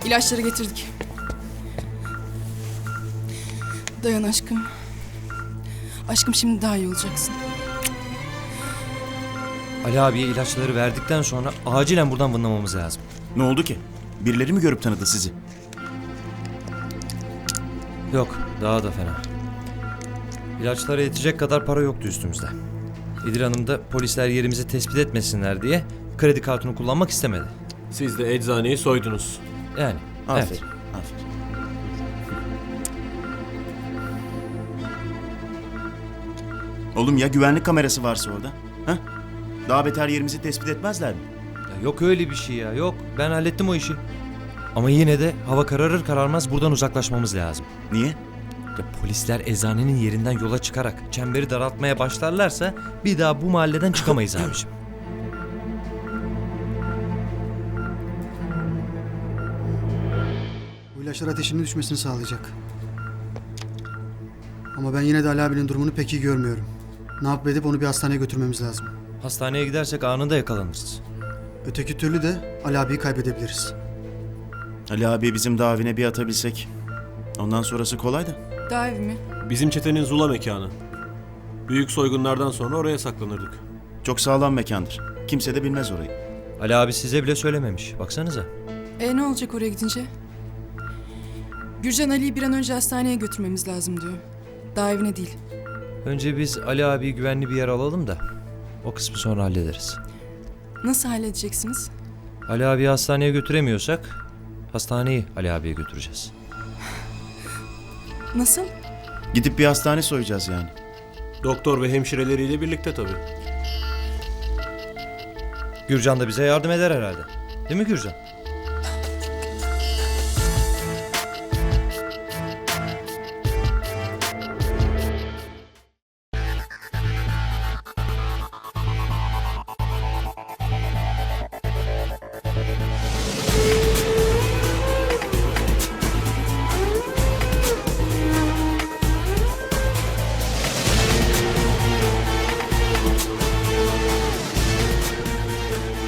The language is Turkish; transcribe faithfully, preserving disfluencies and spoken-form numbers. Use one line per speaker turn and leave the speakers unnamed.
İlaçları getirdik. Dayan aşkım. Aşkım şimdi daha iyi olacaksın.
Ali abiye ilaçları verdikten sonra acilen buradan vınlamamız lazım.
Ne oldu ki? Birileri mi görüp tanıdı sizi?
Yok, daha da fena. İlaçlara yetecek kadar para yoktu üstümüzde. İdil Hanım da polisler yerimizi tespit etmesinler diye kredi kartını kullanmak istemedi.
Siz de eczaneyi soydunuz.
Yani,
Aferin.
evet.
Aferin. Oğlum ya güvenlik kamerası varsa orada? Ha? Daha beter yerimizi tespit etmezler mi?
Ya yok öyle bir şey ya, yok. Ben hallettim o işi. Ama yine de hava kararır kararmaz buradan uzaklaşmamız lazım.
Niye?
Ya polisler eczanenin yerinden yola çıkarak çemberi daraltmaya başlarlarsa bir daha bu mahalleden çıkamayız abiciğim.
Bu ilaçlar ateşinin düşmesini sağlayacak. Ama ben yine de Ali abinin durumunu pek iyi görmüyorum. Ne yapıp edip onu bir hastaneye götürmemiz lazım.
Hastaneye gidersek anında yakalanırız.
Öteki türlü de Ali abiyi kaybedebiliriz.
Ali abi bizim davine bir atabilsek. Ondan sonrası kolay da.
Daha evi mi?
Bizim çetenin Zula mekanı. Büyük soygunlardan sonra oraya saklanırdık.
Çok sağlam mekandır. Kimse de bilmez orayı.
Ali abi size bile söylememiş. Baksanıza.
E ne olacak oraya gidince? Gürcan Ali'yi bir an önce hastaneye götürmemiz lazım diyor. Daha evine değil.
Önce biz Ali abiyi güvenli bir yer alalım da o kısmı sonra hallederiz.
Nasıl halledeceksiniz?
Ali abiyi hastaneye götüremiyorsak hastaneyi Ali abiye götüreceğiz.
Nasıl?
Gidip bir hastane soyacağız yani.
Doktor ve hemşireleriyle birlikte tabii.
Gürcan da bize yardım eder herhalde. Değil mi Gürcan?